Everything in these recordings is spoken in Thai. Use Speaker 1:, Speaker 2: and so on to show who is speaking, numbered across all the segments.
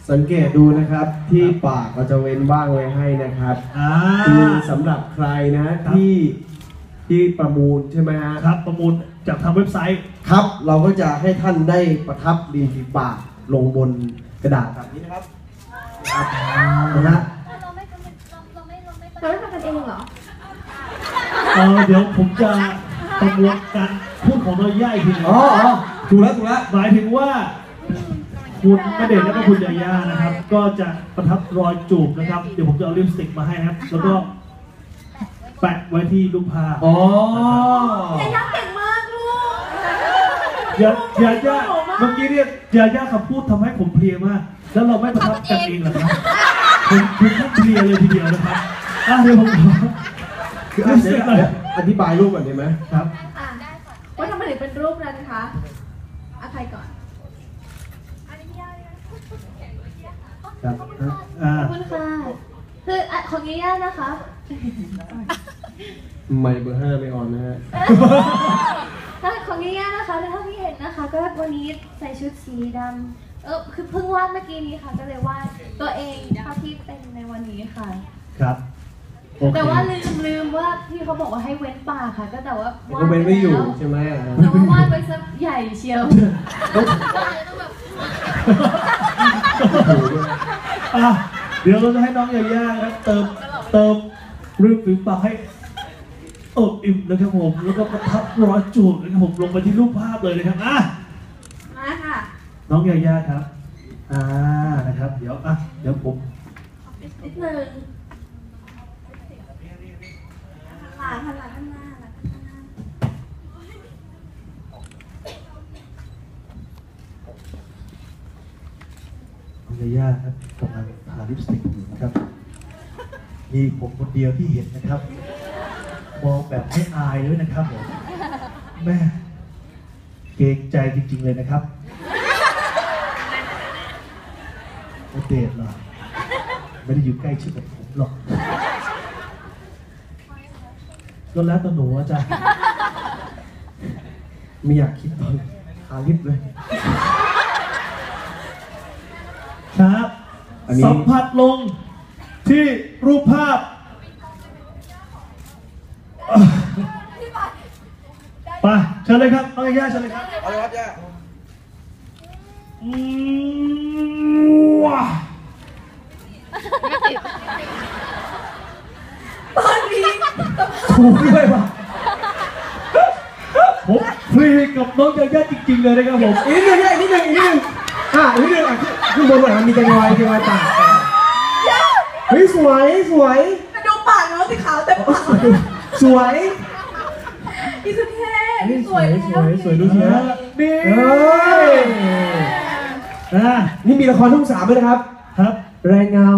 Speaker 1: สังเกตดูนะครับที่ปากเราจะเว้นบ้างไว้ให้นะครับคือสำหรับใครนะที่ประมูลใช่ไหมครับประมูลจากทางเว็บไซต์ครับเราก็จะให้ท่านได้ประทับริมฝีปากลงบนกระดาษแบบนี้นะครับนะฮะ
Speaker 2: เราไม่ทำกันเองเหรอ
Speaker 3: เดี๋ยวผมจะประมวลการพูดของน้อยย่าอีกทีนึง
Speaker 1: ถูกแล้ว
Speaker 3: หมายถึงว่าคุณณเดชน์และก็คุณยาย่านะครับก็จะประทับรอยจูบนะครับเดี๋ยวผมจะเอาลิปสติกมาให้ครับแล้วก็แปะไว้ที่รูปภาพ
Speaker 2: ยาย่าเก่งมากลูก
Speaker 3: ยาย่าเมื่อกี้เนี่ยยาย่าคำพูดทำให้ผมเพลียมากแล้วเราไม่ประทับกันเองเหรอครับผมเพลียเลยทีเดียวนะครับเดี๋ยวผม
Speaker 1: อธิบายรูปก่อนได้ไหม
Speaker 3: ครับ
Speaker 2: ว่าทำไมถึงเป็นรูปนั้นคะใครก่อน
Speaker 3: ครับ
Speaker 2: ขอบคุณค่ะคือของยาย่านะคะ
Speaker 1: ไม่เบอร์5ไม่ออนนะฮะ
Speaker 2: ถ้าของยาย่านะคะแล้วเท่าที่เห็นนะคะก็วันนี้ใส่ชุดสีดำคือเพิ่งวาดเมื่อกี้นี้ค่ะก็เลยวาดตัวเองเท่าที่เป็นในวันนี้ค่ะ
Speaker 3: ครับ
Speaker 2: แต่ว่าลืมว่าพี่เขาบอกว่าให้เว้นปากค่ะก็แต่ว่าวาด
Speaker 1: เว้นไม่อยู่ใช่ไหม
Speaker 2: แต่ว่าวาดไว้สักใหญ่เชียว
Speaker 3: เดี๋ยวเราจะให้น้องยาย่าครับเติมริมฝีปากให้อิ่มนะครับผมแล้วก็ประทับรอยจูบนะครับผมลงไปที่รูปภาพเลยนะครับ
Speaker 2: มาค่ะ
Speaker 3: น้องยาย่าครับนะครับเดี๋ยวผม
Speaker 2: นิดนึงหลังข้างหน้า
Speaker 3: น้องยาย่าครับกำลังทาลิปสติกอยู่นะครับมีผมคนเดียวที่เห็นนะครับมองแบบไม่อายเลยนะครับผมแม่เกรงใจจริงๆเลยนะครับเดทหรอไม่ได้อยู่ใกล้ชิดกับผมหรอกก็แล้วแต่หนูอาจารย์
Speaker 1: ไม่อยากคิดตอนทาลิปเลย
Speaker 3: ครับสัมผัสลงที่รูปภาพไปเชิญเลยครับน้องยาย่าเชิญเลยครับ
Speaker 1: เอาเลยครับย่า
Speaker 3: ว้า
Speaker 2: ตอนนี้
Speaker 3: ถูกด้วยป่ะผมฟรีกับน้องยาย่าจริงๆเลยนะครับผม
Speaker 1: อีกนิดนึงขึ้นบนหน่อยมันมีจังหวะปากเฮ้ยสวย
Speaker 2: ดูปากน้องสีขาวแต่ปาก
Speaker 1: สวย
Speaker 2: อีสุดเท่
Speaker 1: สวยดูสิฮะนี่มีละครช่อง 3ด้วยนะครับ
Speaker 3: ครับ
Speaker 1: แรงเงา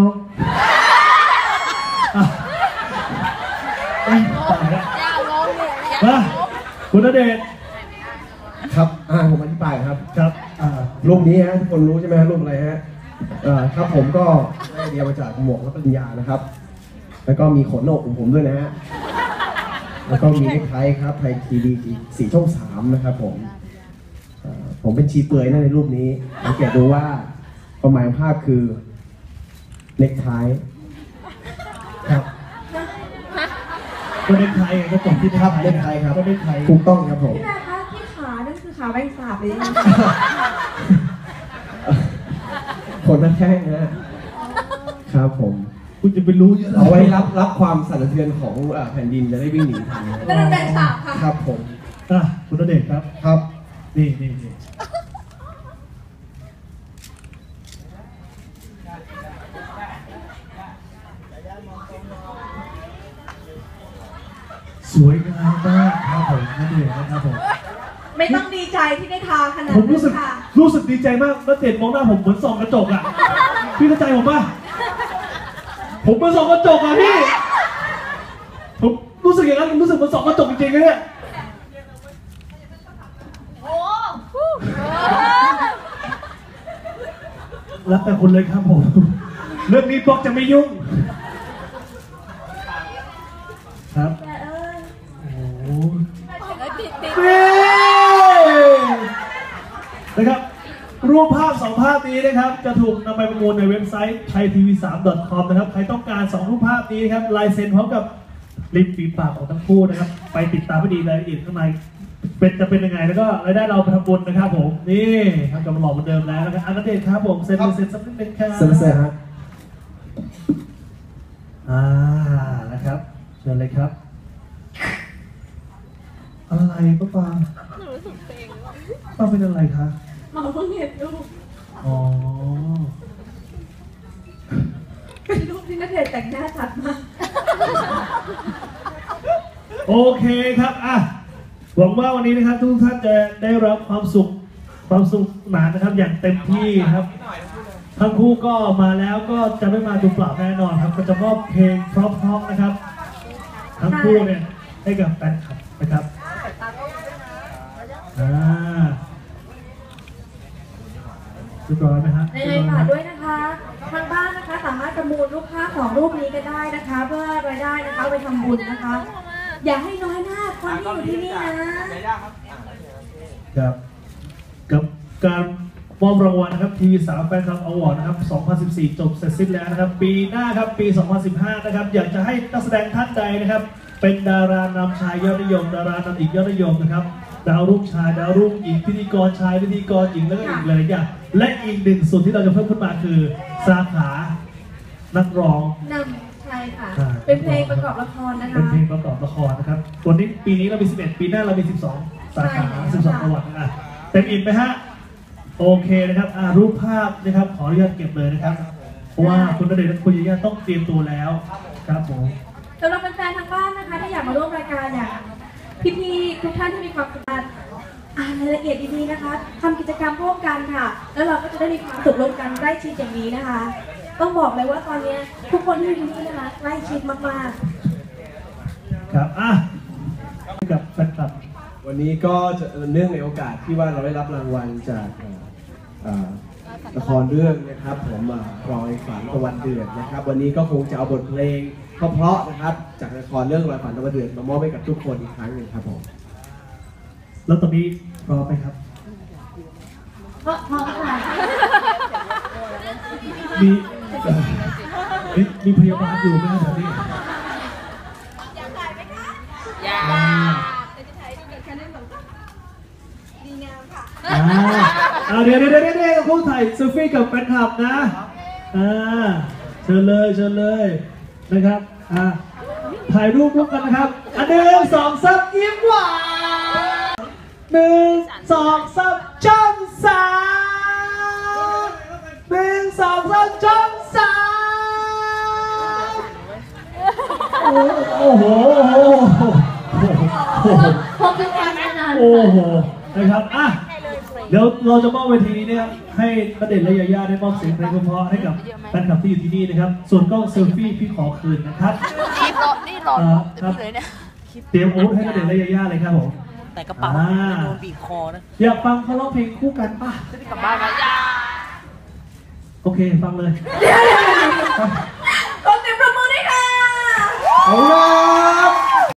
Speaker 3: คุณณเดชน์
Speaker 1: ครับผมอธิบายครับรูปนี้ฮะทุกคนรู้ใช่ไหมรูปอะไรฮะครับผมก็ได้เรียนมาจากหมวกและปริญญานะครับแล้วก็มีขนโหนกของผมด้วยนะฮะแล้วก็มีเน็กไทครับไทยทีวีสีช่อง 3นะครับผมเป็นชีเปลือยในรูปนี้สังเกตดูว่าความหมายของภาพคือเน็กไทครับ
Speaker 3: ก็เน็กไทก็จบที่ภาพ
Speaker 1: เน็กไทครับ
Speaker 3: ก็เน็กไท
Speaker 1: ถูกต้องครับผม
Speaker 2: พี่แม่คะที่ขานั่นคือขาแบงสาบเลย
Speaker 1: คนนั่นแค่นะครับผม
Speaker 3: คุณจะไปรู้เยอะ
Speaker 1: เอาไว้รับความสั่นสะเทือนของแผ่นดินจะได้วิ่งหนีทัน
Speaker 2: นั่นเป็นฉากค่ะ
Speaker 1: ครับผม
Speaker 3: คุณณเดชน์ครับ
Speaker 1: ครับ
Speaker 3: นี่สวยงามมากครับผมณเดชน์นะครับผม
Speaker 2: ไม่ต้องดีใจที่ได้ทาขนาด
Speaker 3: ผมรู้สึกดีใจมากณเดชน์มองหน้าผมเหมือนส่องกระจกอ่ะพี่เข้าใจผมป่ะผมเป็นส่องกระจกอ่ะพี่ผมรู้สึกอย่างนั้นรู้สึกเหมือนส่องกระจกจริงๆเลยเนี่ยแล้วแต่คุณเลยครับผมเรื่องนี้บอกจะไม่ยุ่งครับโอ้นะครับรูปภาพ 2 ภาพนี้นะครับจะถูกนำไปประมูลในเว็บไซต์ thaitv3.com นะครับใครต้องการ2 รูปภาพนี้ครับลายเซ็นพร้อมกับริมฝีปากของทั้งคู่นะครับไปติดตามให้ดีรายละเอียดข้างในจะเป็นยังไงแล้วก็รายได้เราไปทำบุญนะครับผมนี่ทำกับหล่อเหมือนเดิมแล้วนะครับอันเดชครับผมเซ็นสักนิดนึงครับ
Speaker 1: เซ็นฮะ
Speaker 3: นะครับเชิญเลยครับอะไรป้าปางป้าเป็นอะไรคะ
Speaker 2: หมอเพิ่งเห็นรูป
Speaker 3: อ๋อ
Speaker 2: เป็นรูปที่ณเดชน์แต่งหน้าชัดมาก
Speaker 3: โอเคครับหวังว่าวันนี้นะครับทุกท่านจะได้รับความสุขหนานะครับอย่างเต็มที่ครับทั้งคู่ก็มาแล้วก็จะไม่มาดูเปล่าแน่นอนครับก็จะมอบเพลงเพราะๆนะครับทั้งคู่เนี่ยให้กับแฟนคลับนะครับเรียบร้อยไหมฮะ
Speaker 4: ในเลยฝากด้วยนะคะทางบ้านนะคะสามารถประมูลรูปภาพ2 รูปนี้ก็ได้นะคะ เพื่อรายได้นะคะไปทำบุญนะคะ อย่าให้น้อยหน้าคนที่อยู่ที่นี่นะครับ
Speaker 3: กับการมอบรางวัลนะครับทีวี3แฟนคลับอวอร์ดนะครับ2014จบเสร็จสิ้นแล้วนะครับปีหน้าครับปี2015นะครับอยากจะให้นักแสดงท่านใดนะครับเป็นดารานำชายยอดนิยมดารานำหญิงยอดนิยมนะครับดาวรุ่งชายดาวรุ่งหญิงพิธีกรชายพิธีกรหญิงแล้วก็อีกเลยอย่างและอีกหนึ่งส่วนที่เราจะเพิ่มขึ้นมาคือสาขานักร้อง
Speaker 4: นำใช่ค่ะ เป็นเพลงประกอบละครนะคะ
Speaker 3: เป็นเพลงประกอบละครนะครับวันนี้ปีนี้เรามี11ปีหน้าเรามี12สาขา12จังหวัดเต็มอิ่มไหมฮะโอเคนะครับรูปภาพนะครับขออนุญาตเก็บเลยนะครับเพราะว่าคุณณเดชน์และคุณยาย่าต้องเตรียมตัวแล้วครับผม
Speaker 4: สำหรับแฟนๆทางบ้านนะคะที่อยากมาร่วมรายการอย่างพี่ๆทุกท่านที่มีความสามารถอ่านรายละเอียดดีๆนะคะทำกิจกรรมร่วมกันค่ะ แล้วเราก็จะได้มีความสุขร่วมกันใกล้ชิดอย่างนี้นะคะ ต้องบอกเลยว่าตอนนี้ทุกคนที่อยู่ที่นี่นะคะใกล้ชิดมากๆ
Speaker 3: ครับกับแฟนคลับ
Speaker 1: วันนี้ก็จะเนื่องในโอกาสที่ว่าเราได้รับรางวัลจากละครเรื่องนะครับผมรอยฝันตะวันเดือดนะครับวันนี้ก็คงจะเอาบทเพลงเพราะๆนะครับจากละครเรื่องรอยฝันตะวันเดือดมามอบให้กับทุกคนอีกครั้งหนึ่งครับผม
Speaker 3: แล้วตอนนี้รอไปครับ
Speaker 2: พร้อมค่ะ
Speaker 3: มีพยาบาลอยู่ไหมครับนี่
Speaker 5: อยากถ่ายไหมคะอยากแต่จะถ่ายดูกับแค่นั้นแบบดีงามค่ะ
Speaker 3: เดี๋ยวคู่ถ่ายเซลฟี่กับแฟนคลับนะเชิญเลยนะครับถ่ายรูปร่วมกันนะครับ1 2 3ยิ้มหวาน1 2 3จ้องสาม1 2 3จ้องสามโอ้โห
Speaker 2: พบกันมานาน
Speaker 3: โอ้โหนะครับเดี๋ยวเราจะมอบเวทีนี้นะครับให้ณเดชน์และยาย่าได้มอบเสียงเพลงเพราะๆให้กับแฟนคลับที่อยู่ที่นี่นะครับส่วนกล้องเซลฟี่พี่ขอคืนนะครับ
Speaker 5: นี่รอ
Speaker 3: ครับ
Speaker 5: เลยเนี่ย
Speaker 3: เตรียมอาวุธให้ณเดชน์และยาย่าเลยครับผม
Speaker 5: แต่กระเป๋าโดนบีบคอนะ
Speaker 3: อยากฟังเขาร้องเพลงคู่กันป่ะ
Speaker 5: จะได้กลับบ้านไหม
Speaker 3: โอเคฟังเลย
Speaker 4: ขอเสียงปรบมือด้วยค่ะ
Speaker 1: เอาล่ะ